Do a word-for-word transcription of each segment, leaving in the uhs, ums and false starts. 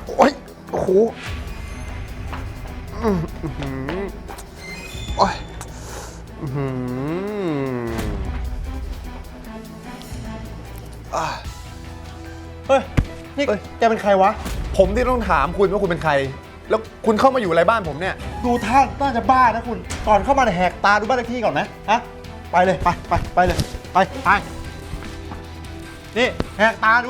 โอ้ยโอ้โหอืมอืมโอ้ยอืมอ่ะเฮ้ย นี่แกเป็นใครวะผมที่ต้องถามคุณว่าคุณเป็นใคร แล้วคุณเข้ามาอยู่อะไรบ้านผมเนี่ยดูท่าน่าจะบ้านะคุณ ก่อนเข้ามาเนี่ยแหกตาดูบ้านเลขที่ก่อนไหมฮะ ไปเลย ไปไปไปเลย ไปไปนี่แหกตาดู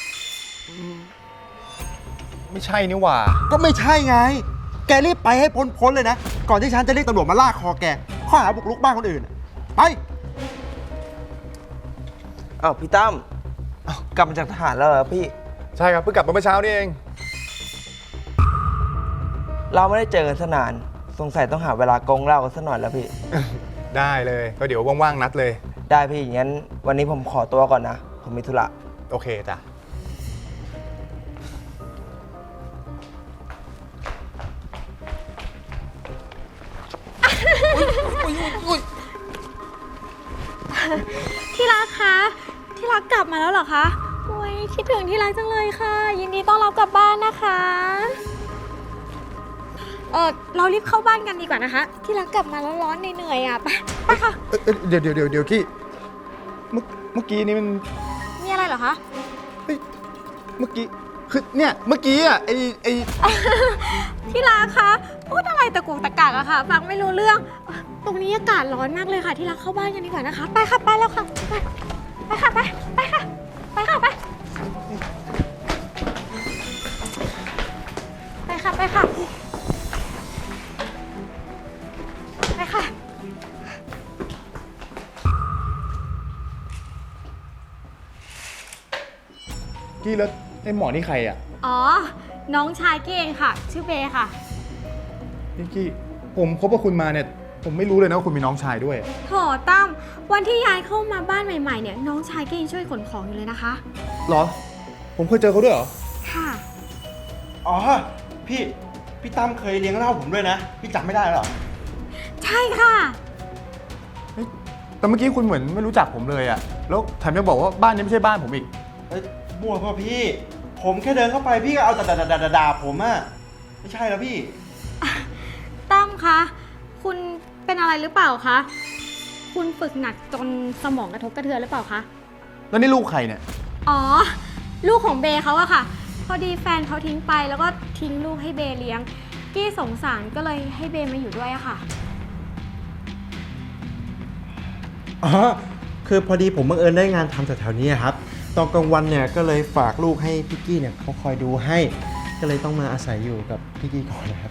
ไม่ใช่นี่หว่าก็ไม่ใช่ไง แกรีบไปให้พ้นๆเลยนะ ก่อนที่ฉันจะเรียกตำรวจมาลากคอแก ข้อหาบุกรุกบ้านคนอื่น ไปอ้าวพี่ตั้มอ้าวกลับมาจากทหารแล้วเหรอพี่ใช่ครับเพิ่งกลับมาเมื่อเช้านี่เองเราไม่ได้เจอกันสนาน สงสัยต้องหาเวลากงเหล้ากันสักหน่อยแล้วพี่ได้เลยก็เดี๋ยวว่างๆนัดเลยได้พี่งั้นวันนี้ผมขอตัวก่อนนะ ผมมีธุระโอเคจ้ะที่รักคะ ที่รักกลับมาแล้วเหรอคะโอ้ยคิดถึงที่รักจังเลยค่ะ ยินดีต้อนรับกลับบ้านนะคะ เออเรารีบเข้าบ้านกันดีกว่านะคะ ที่รักกลับมาแล้วร้อนเหนื่อยๆอ่ะ ไปไปค่ะเอ้ยเอ้ยเดี๋ยวเดี๋ยวเดี๋ยวเดี๋ยวกี้เมื่อเมื่อกี้นี่มันมีอะไรเหรอคะเฮ้ยเมื่อกี้คือเนี่ยเมื่อกี้อ่ะไอไอที่รักคะพูดอะไรตะกุกตะกักอะค่ะ ฟังไม่รู้เรื่อง ตรงนี้อากาศร้อนมากเลยค่ะ ที่รักเข้าบ้านกันดีกว่านะคะ ไปค่ะไปแล้วค่ะ ไปไปค่ะไปไปค่ะไปค่ะไปไปค่ะไปค่ะไปค่ะกี้แล้วไอหมอนี่ใครอ่ะอ๋อ น้องชายกี้เองค่ะ ชื่อเบย์ค่ะนี่กี้ผมคบกับคุณมาเนี่ยผมไม่รู้เลยนะว่าคุณมีน้องชายด้วยโถตั้มวันที่ย้ายเข้ามาบ้านใหม่ๆเนี่ยน้องชายก็ยังช่วยขนของอยู่เลยนะคะเหรอ ผมเคยเจอเขาด้วยเหรอค่ะอ๋อ พี่ พี่ตั้มเคยเลี้ยงเหล้าผมด้วยนะ พี่จำไม่ได้หรอใช่ค่ะแต่เมื่อกี้คุณเหมือนไม่รู้จักผมเลยอะแล้วแถมยังบอกว่าบ้านนี้ไม่ใช่บ้านผมอีกเอ้ยมั่วเปล่ะพี่ ผมแค่เดินเข้าไปพี่ก็เอาแต่ด่าด่าผมอะไม่ใช่แล้วพี่ตั้มคะ คุณเป็นอะไรหรือเปล่าคะ คุณฝึกหนักจนสมองกระทบกระเทือนหรือเปล่าคะแล้วนี่ลูกใครเนี่ยอ๋อ ลูกของเบย์เขาอะค่ะ พอดีแฟนเขาทิ้งไปแล้วก็ทิ้งลูกให้เบย์เลี้ยง กี้สงสารก็เลยให้เบย์มาอยู่ด้วยอะค่ะอ๋อ คือพอดีผมบังเอิญได้งานทำแถวๆนี้ครับ ตอนกลางวันเนี่ยก็เลยฝากลูกให้พี่กี้เนี่ยเขาคอยดูให้ ก็เลยต้องมาอาศัยอยู่กับพี่กี้ก่อนนะครับ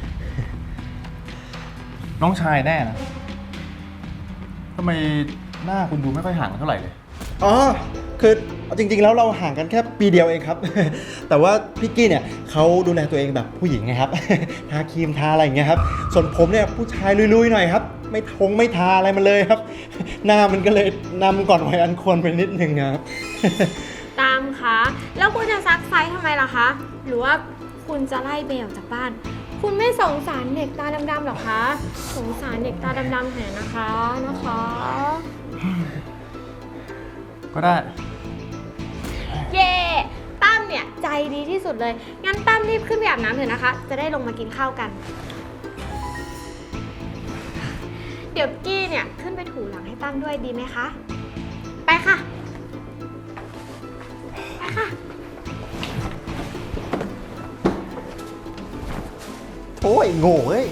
น้องชายแน่นะทำไมหน้าคุณดูไม่ค่อยห่างกันเท่าไหร่เลยอ๋อ คือจริงๆแล้วเราห่างกันแค่ปีเดียวเองครับ แต่ว่าพี่กี้เนี่ยเขาดูแลตัวเองแบบผู้หญิงไงครับ ทาครีมทาอะไรอย่างเงี้ยครับ ส่วนผมเนี่ยผู้ชายลุยๆหน่อยครับ ไม่ทงไม่ทาอะไรมันเลยครับ หน้ามันก็เลยนำก่อนวัยอันควรไปนิดนึงครับตามคะ แล้วคุณจะซักไซส์ทำไมล่ะคะ หรือว่าคุณจะไล่เบลออกจากบ้าน คุณไม่สงสารเด็กตาดำๆหรอคะ สงสารเด็กตาดำๆแทนนะคะนะคะก็ได้เย่ตั้มเนี่ยใจดีที่สุดเลย งั้นตั้มรีบขึ้นไปอาบน้ำเถอะนะคะ จะได้ลงมากินข้าวกัน เดี๋ยวกี้เนี่ยขึ้นไปถูหลังให้ตั้มด้วยดีไหมคะ ไปค่ะ ไปค่ะโอ้ยโง่เอ้ย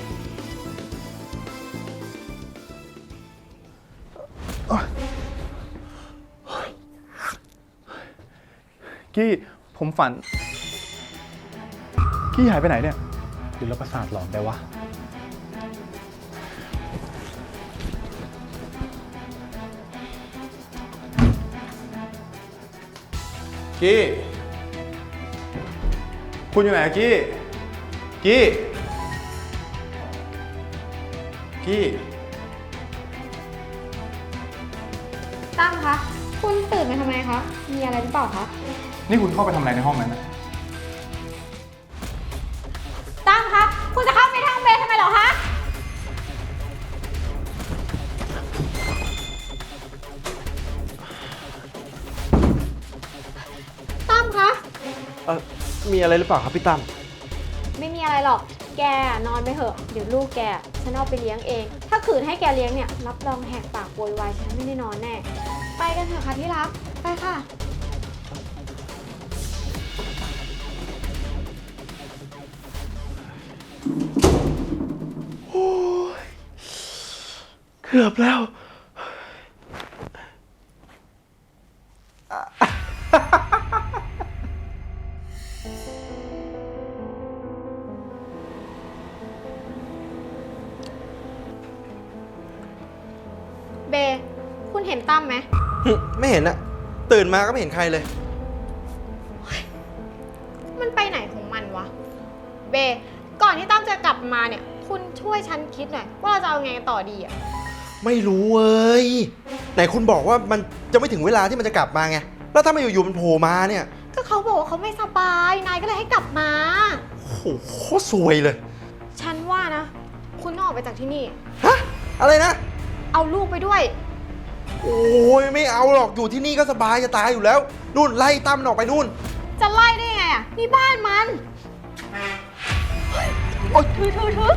กี้ผมฝัน กี้หายไปไหนเนี่ยหรือเราประสาทหลอนได้วะ กี้ คุณอยู่ไหนอะกี้ กี้ กี้ตั้มคะ คุณตื่นมาทำไมคะ มีอะไรหรือเปล่าคะนี่คุณเข้าไปทำอะไรในห้องนั้นนะตั้มคะ คุณจะเข้าไปทางเบนทำไมเหรอคะ ตั้มคะเออมีอะไรหรือเปล่าครับพี่ตั้มไม่มีอะไรหรอก แกนอนไปเถอะ เดี๋ยวลูกแกฉันเอาไปเลี้ยงเอง ถ้าขืนให้แกเลี้ยงเนี่ย รับรองแหกปากโวยวายฉันไม่ได้นอนแน่ ไปกันเถอะค่ะที่รัก ไปค่ะเกือบแล้วเบ คุณเห็นตั้มไหมไม่เห็นอะตื่นมาก็ไม่เห็นใครเลยมันไปไหนของมันวะ เบ ก่อนที่ตั้มจะกลับมาเนี่ย คุณช่วยฉันคิดหน่อยว่าเราจะเอาไงกันต่อดีอะไม่รู้เว้ยไหนคุณบอกว่ามันจะไม่ถึงเวลาที่มันจะกลับมาไง แล้วถ้ามันอยู่ๆมันโผล่มาเนี่ยก็เขาบอกว่าเขาไม่สบาย นายก็เลยให้กลับมาโอ้โหโคตรซวยเลยฉันว่านะ คุณต้องออกไปจากที่นี่ฮะ อะไรนะเอาลูกไปด้วยโอ้ยไม่เอาหรอก อยู่ที่นี่ก็สบายจะตายอยู่แล้ว นู่นไล่ตั้มมันออกไปนู่นจะไล่ได้ไงอ่ะ นี่บ้านมันโอ๊ยถือถือถือ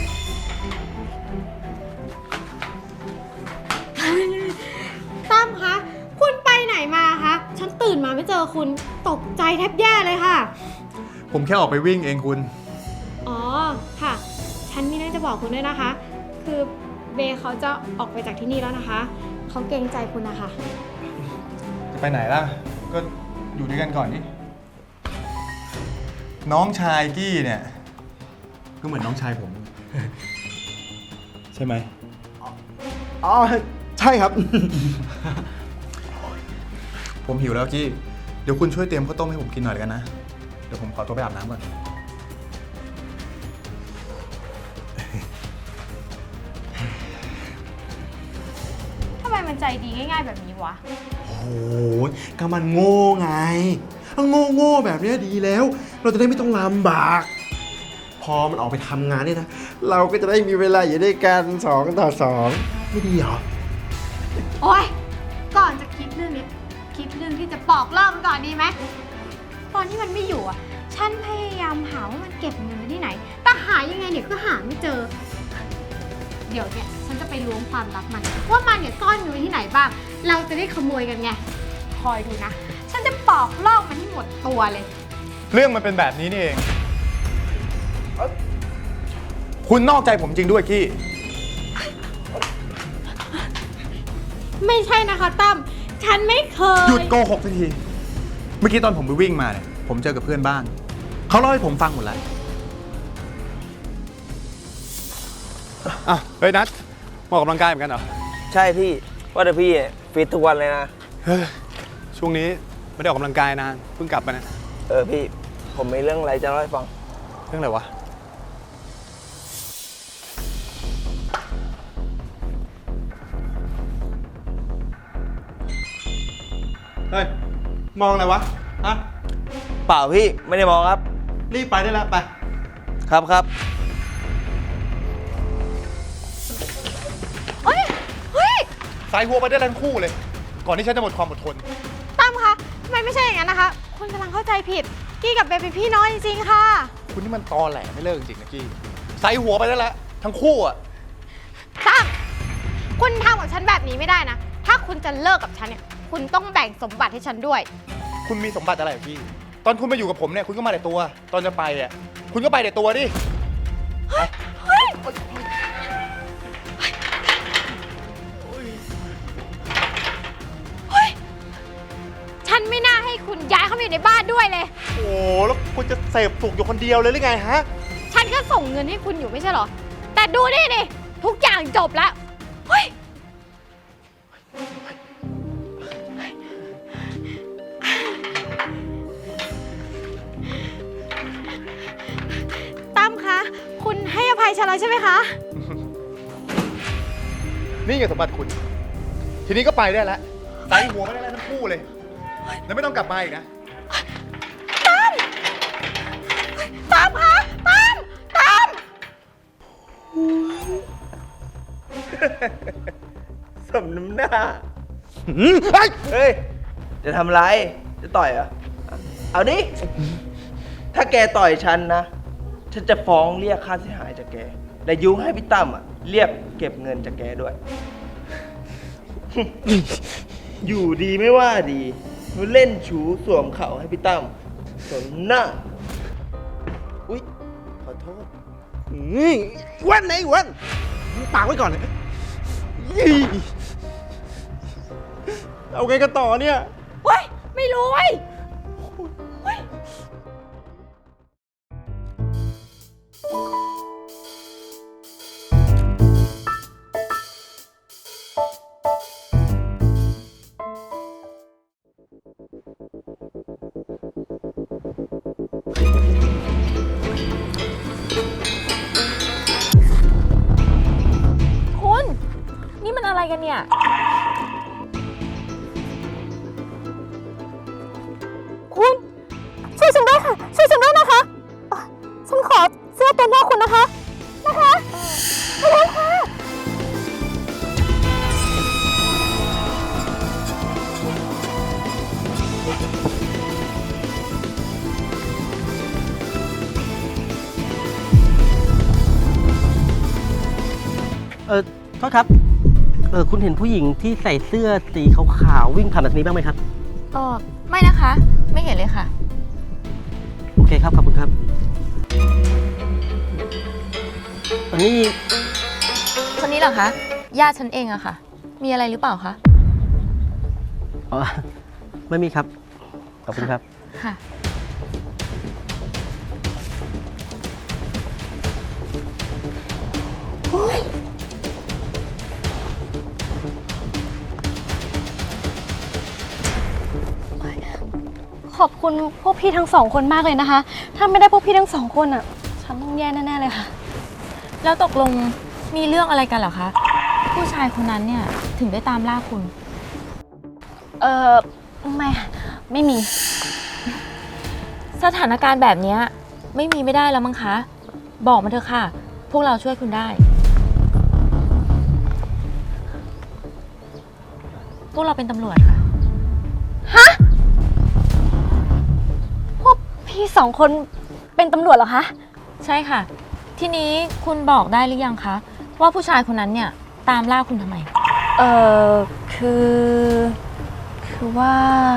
ตั้มคะ คุณไปไหนมาคะ ฉันตื่นมาไม่เจอคุณ ตกใจแทบแย่เลยค่ะผมแค่ออกไปวิ่งเองคุณอ๋อ ค่ะ ฉันมีเรื่องจะบอกคุณด้วยนะคะ คือเบย์เขาจะออกไปจากที่นี่แล้วนะคะ เขาเกรงใจคุณนะคะจะไปไหนล่ะ ก็อยู่ด้วยกันก่อนนี่น้องชายกี้เนี่ย ก็เหมือนน้องชายผม ใช่ไหมอ๋อ ใช่ครับผมหิวแล้วกี้ เดี๋ยวคุณช่วยเตรียมข้าวต้มให้ผมกินหน่อยเลยกันนะ เดี๋ยวผมขอตัวไปอาบน้ำก่อนทำไมมันใจดีง่ายๆแบบนี้วะโอ้ยก็มันโง่ไงโง่โง่ๆแบบเนี้ยดีแล้ว เราจะได้ไม่ต้องลำบาก พอมันออกไปทำงานเนี่ยนะ เราก็จะได้มีเวลาอยู่ด้วยกันสองต่อสองไม่ดีเหรอโอ๊ย ก่อนจะคิดเรื่องนี้ คิดเรื่องที่จะปอกเล่ามันก่อนดีไหม ตอนที่มันไม่อยู่อ่ะ ฉันพยายามหาว่ามันเก็บเงินไว้ที่ไหน แต่หายังไงเนี่ยก็หาไม่เจอ เดี๋ยวเนี่ยฉันจะไปล้วงความลับมัน ว่ามันเนี่ยซ่อนเงินไว้ที่ไหนบ้าง เราจะได้ขโมยกันไง คอยดูนะ ฉันจะปอกลอกมันให้หมดตัวเลยเรื่องมันเป็นแบบนี้นี่เอง คุณนอกใจผมจริงด้วยกี้ไม่ใช่นะคะตั้ม ฉันไม่เคยหยุดโกหกทันที เมื่อกี้ตอนผมไปวิ่งมาเนี่ย ผมเจอกับเพื่อนบ้าน เขาเล่าให้ผมฟังหมดแล้วอ่ะเฮ้ยนัทมาออกกำลังกายเหมือนกันเหรอใช่พี่ ว่าแต่พี่ฟิตทุกวันเลยนะเฮ้ยช่วงนี้ไม่ได้ออกกำลังกายนานเพิ่งกลับมานะเออพี่ ผมมีเรื่องอะไรจะเล่าให้ฟังเรื่องอะไรวะเฮ้ย มองอะไรวะ ฮะเปล่าพี่ ไม่ได้มองครับรีบไปได้แล้วไปครับครับเฮ้ย เฮ้ยสายหัวไปได้ทั้งคู่เลย ก่อนที่ฉันจะหมดความอดทนตั้มคะทำไมไม่ใช่อย่างนั้นนะคะ คุณกำลังเข้าใจผิด กี้กับเบย์เป็นพี่น้องจริงๆค่ะคุณนี่มันตอแหลไม่เลิกจริงๆนะกี้ใส่หัวไปได้แล้วทั้งคู่อ่ะตั้ม คุณทำกับฉันแบบนี้ไม่ได้นะ ถ้าคุณจะเลิกกับฉันเนี่ย คุณต้องแบ่งสมบัติให้ฉันด้วยคุณมีสมบัติอะไรกับกี้ ตอนคุณมาอยู่กับผมเนี่ยคุณก็มาแต่ตัว ตอนจะไปอ่ะคุณก็ไปแต่ตัวดิเฮ้ย เฮ้ย เฮ้ย ฉันไม่น่าให้คุณย้ายเข้ามาอยู่ในบ้านด้วยเลยโอ้แล้วคุณจะเสพสุกอยู่คนเดียวเลยหรือไงฮะฉันก็ส่งเงินให้คุณอยู่ไม่ใช่เหรอ แต่ดูนี่ดิ ทุกอย่างจบแล้ว เฮ้ย ตั้มคะ คุณให้อภัยฉันแล้วใช่ไหมคะนี่ไงสมบัติคุณ ทีนี้ก็ไปได้แล้วใส่หัวไปได้แล้วทั้งคู่เลย แล้วไม่ต้องกลับมาอีกนะตั้มคะตั้มตั้มสมน้ำหน้าหืมเฮ้ยเฮ้ย จะทำไร จะต่อยเหรอ เอาดิถ้าแกต่อยฉันนะ ฉันจะฟ้องเรียกค่าเสียหายจากแก และยุให้พี่ตั้มอ่ะเรียกเก็บเงินจากแกด้วย อยู่ดีไม่ว่าดีเล่นชูสวมเข่าให้พี่ตั้มสนหน้า อุ๊ย ขอโทษนี่อ้วันไหนอ้วันมึงปากไว้ก่อนเลยยี่เอาไงกันต่อเนี่ยเว้ย ไม่รู้เว้ยเว้ย คุณ นี่มันอะไรกันเนี่ย คุณช่วยฉันด้วยค่ะช่วยฉันด้วยนะคะเอ่อฉันขอเสื้อตัวหน้าคุณนะคะนะคะขอบคุณค่ะเออโทษครับ เออคุณเห็นผู้หญิงที่ใส่เสื้อสีขาวๆวิ่งผ่านแบบนี้บ้างไหมครับเออไม่นะคะ ไม่เห็นเลยค่ะโอเคครับ ขอบคุณครับอันนี้คนนี้เหรอคะ ญาติฉันเองอะค่ะ มีอะไรหรือเปล่าคะอ๋อไม่มีครับ ขอบคุณครับค่ะขอบคุณพวกพี่ทั้งสองคนมากเลยนะคะ ถ้าไม่ได้พวกพี่ทั้งสองคนอ่ะ ฉันต้องแย่แน่ๆเลยค่ะแล้วตกลงมีเรื่องอะไรกันเหรอคะ ผู้ชายคนนั้นเนี่ยถึงได้ตามล่าคุณเออไม่ค่ะไม่มีสถานการณ์แบบเนี้ยไม่มีไม่ได้แล้วมั้งคะ บอกมาเถอะค่ะ พวกเราช่วยคุณได้ พวกเราเป็นตำรวจค่ะพวกพี่สองคนเป็นตำรวจเหรอคะใช่ค่ะ ทีนี้คุณบอกได้หรือยังคะว่าผู้ชายคนนั้นเนี่ยตามล่าคุณทำไมเออคือ คือว่า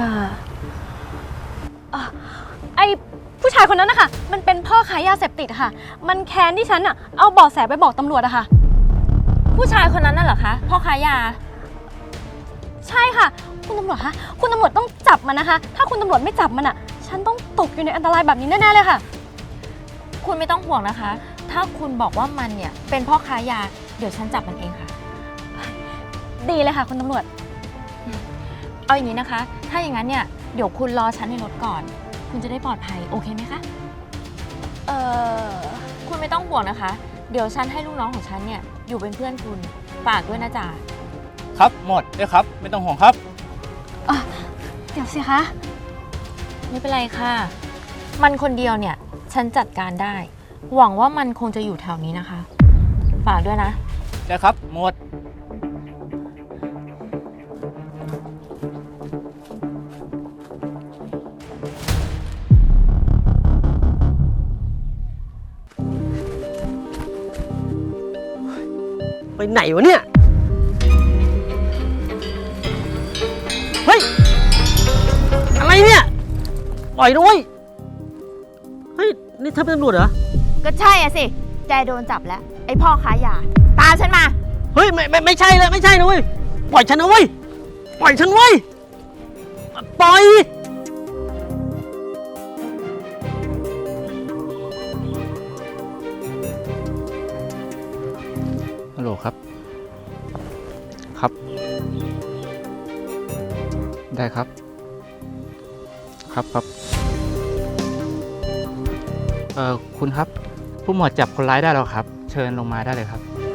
อ่ะไอผู้ชายคนนั้นนะคะมันเป็นพ่อขายยาเสพติดอะค่ะ มันแค้นที่ฉันอะเอาเบาะแสไปบอกตำรวจอะค่ะผู้ชายคนนั้นน่ะเหรอคะพ่อค้ายาใช่ค่ะ คุณตำรวจคะคุณตำรวจต้องจับมันนะคะ ถ้าคุณตำรวจไม่จับมันอะฉันต้องตกอยู่ในอันตรายแบบนี้แน่ๆเลยค่ะคุณไม่ต้องห่วงนะคะ ถ้าคุณบอกว่ามันเนี่ยเป็นพ่อค้ายา เดี๋ยวฉันจับมันเองค่ะดีเลยค่ะคุณตำรวจเอาอย่างนี้นะคะ ถ้าอย่างนั้นเนี่ยเดี๋ยวคุณรอฉันในรถก่อน คุณจะได้ปลอดภัยโอเคไหมคะเออคุณไม่ต้องห่วงนะคะ เดี๋ยวฉันให้ลูกน้องของฉันเนี่ยอยู่เป็นเพื่อนคุณ ฝากด้วยนะจ๊ะครับหมดได้ครับ ไม่ต้องห่วงครับเดี๋ยวสิคะไม่เป็นไรค่ะ มันคนเดียวเนี่ยฉันจัดการได้ หวังว่ามันคงจะอยู่แถวนี้นะคะ ฝากด้วยนะได้ครับหมดไปไหนวะเนี่ย เฮ้ย อะไรเนี่ย ปล่อยด้วย เฮ้ย นี่เธอเป็นตำรวจเหรอก็ใช่อะสิ แกโดนจับแล้ว ไอพ่อค้ายา ตามฉันมาเฮ้ย ไม่ไม่ไม่ใช่เลยไม่ใช่นะเว้ย ปล่อยฉันนะเว้ย ปล่อยฉันเว้ย ปล่อยฮัลโหลครับ ครับ ได้ครับ ครับครับเอ่อคุณครับ ผู้หมวดจับคนร้ายได้แล้วครับ เชิญลงมาได้เลยครับ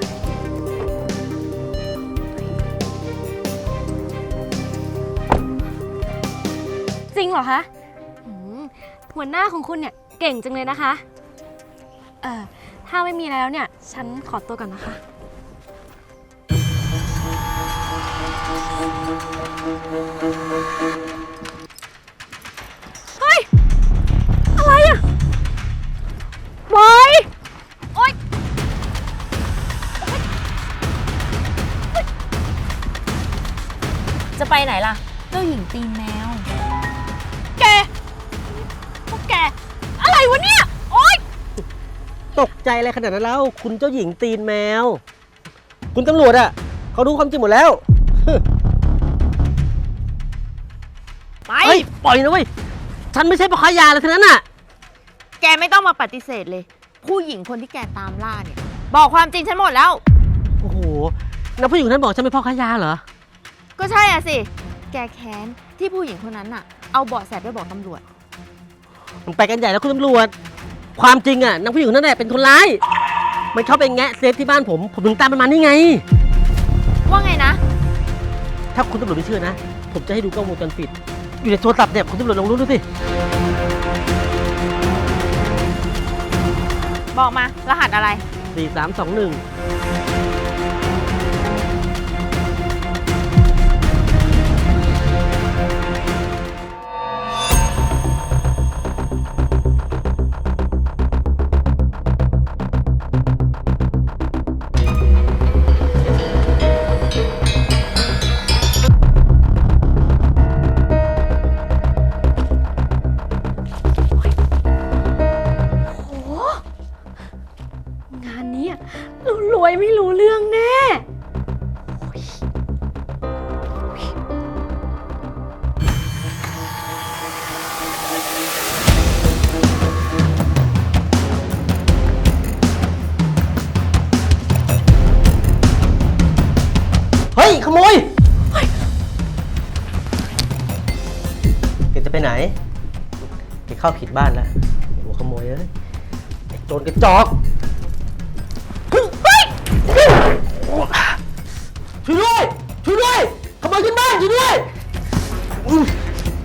จริงเหรอคะอืมหัวหน้าของคุณเนี่ยเก่งจังเลยนะคะ เอ่อ ถ้าไม่มีแล้วเนี่ย ฉันขอตัวก่อนนะคะ เฮ้ย อะไรอะล่ะ เจ้าหญิงตีนแมวแก พวกแก อะไรวะเนี่ย โอ๊ยตกใจอะไรขนาดนั้นแล้ว คุณเจ้าหญิงตีนแมว คุณตำรวจอะเขารู้ความจริงหมดแล้วไปเฮ้ย ปล่อยนะเว้ย ฉันไม่ใช่พ่อค้ายาอะไรทั้งนั้นน่ะแกไม่ต้องมาปฏิเสธเลย ผู้หญิงคนที่แกตามล่าเนี่ย บอกความจริงฉันหมดแล้วโอ้โหแล้วผู้หญิงคนนั้นบอกฉันเป็นพ่อค้ายาเหรอก็ใช่อ่ะสิ แกแค้นที่ผู้หญิงคนนั้นน่ะ เอาเบาะแสไปบอกตำรวจมันไปกันใหญ่แล้วคุณตำรวจ ความจริงอะนางผู้หญิงคนนั้นแหละเป็นคนร้าย มันเข้าไปแงะเซฟที่บ้านผม ผมถึงตามมันมานี่ไงว่าไงนะถ้าคุณตำรวจไม่เชื่อนะ ผมจะให้ดูกล้องวงจรปิด อยู่ในโทรศัพท์เนี่ยคุณตำรวจลองรู้ดูสิบอกมา รหัสอะไรสี่สามสองหนึ่งงานนี้เรารวยไม่รู้เรื่องแน่เฮ้ย ขโมยแกจะไปไหนแกเข้าผิดบ้านแล้วหัวขโมยเอ้ยไอ้โจรกระจอกช่วยด้วยช่วยด้วยขโมยขึ้นบ้านช่วยด้วยอุ๊ย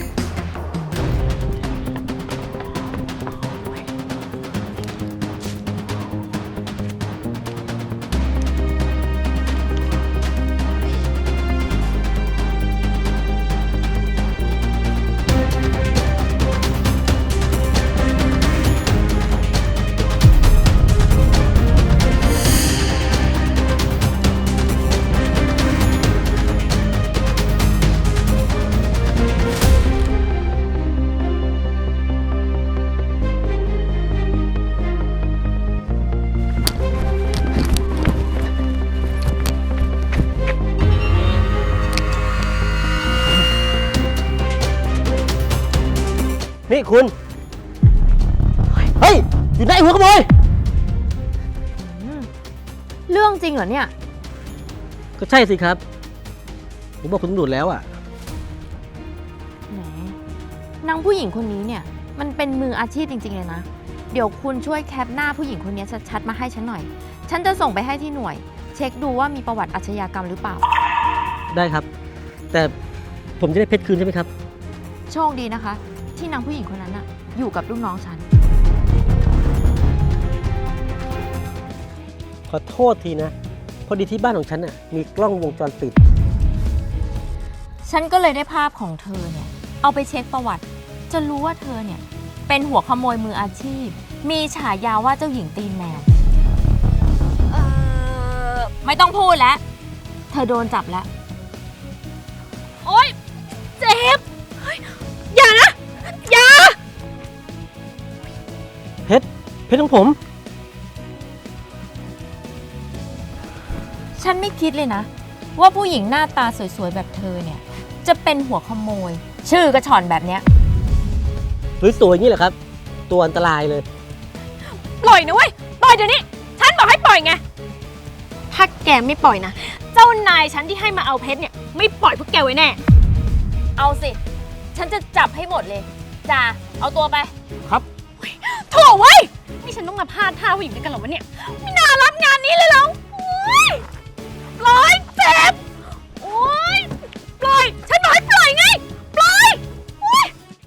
นี่คุณ เฮ้ย อยู่ไหนหัวขโมยเรื่องจริงเหรอเนี่ยก็ใช่สิครับ ผมบอกคุณตำรวจแล้วอ่ะแหมนางผู้หญิงคนนี้เนี่ย มันเป็นมืออาชีพจริงๆเลยนะ เดี๋ยวคุณช่วยแคปหน้าผู้หญิงคนนี้ชัดๆมาให้ฉันหน่อย ฉันจะส่งไปให้ที่หน่วย เช็คดูว่ามีประวัติอาชญากรรมหรือเปล่าได้ครับ แต่ผมจะได้เพชรคืนใช่ไหมครับโชคดีนะคะ ที่นางผู้หญิงคนนั้นน่ะ อยู่กับลูกน้องฉันขอโทษทีนะ พอดีที่บ้านของฉันน่ะมีกล้องวงจรปิดฉันก็เลยได้ภาพของเธอเนี่ย เอาไปเช็คประวัติ จะรู้ว่าเธอเนี่ย เป็นหัวขโมยมืออาชีพ มีฉายาว่าเจ้าหญิงตีนแมว เออไม่ต้องพูดแล้ว เธอโดนจับแล้วโอ๊ย เจ็บเฮ้ยอย่านะ อย่าเพชร เพชรของผมฉันไม่คิดเลยนะ ว่าผู้หญิงหน้าตาสวยๆแบบเธอเนี่ย จะเป็นหัวขโมย ชื่อกระชอนแบบเนี้ยสวยๆอย่างนี้แหละครับ ตัวอันตรายเลยปล่อยนะเว้ย ปล่อยเดี๋ยวนี้ ฉันบอกให้ปล่อยไง ถ้าแกไม่ปล่อยนะ เจ้านายฉันที่ให้มาเอาเพชรเนี่ย ไม่ปล่อยพวกแกไว้แน่เอาสิ ฉันจะจับให้หมดเลยจ่าเอาตัวไปครับโถ่เว้ย นี่ฉันต้องมาพลาดท่าผู้หญิงด้วยกันเหรอวะเนี่ย ไม่น่ารับงานนี้เลยเหรอ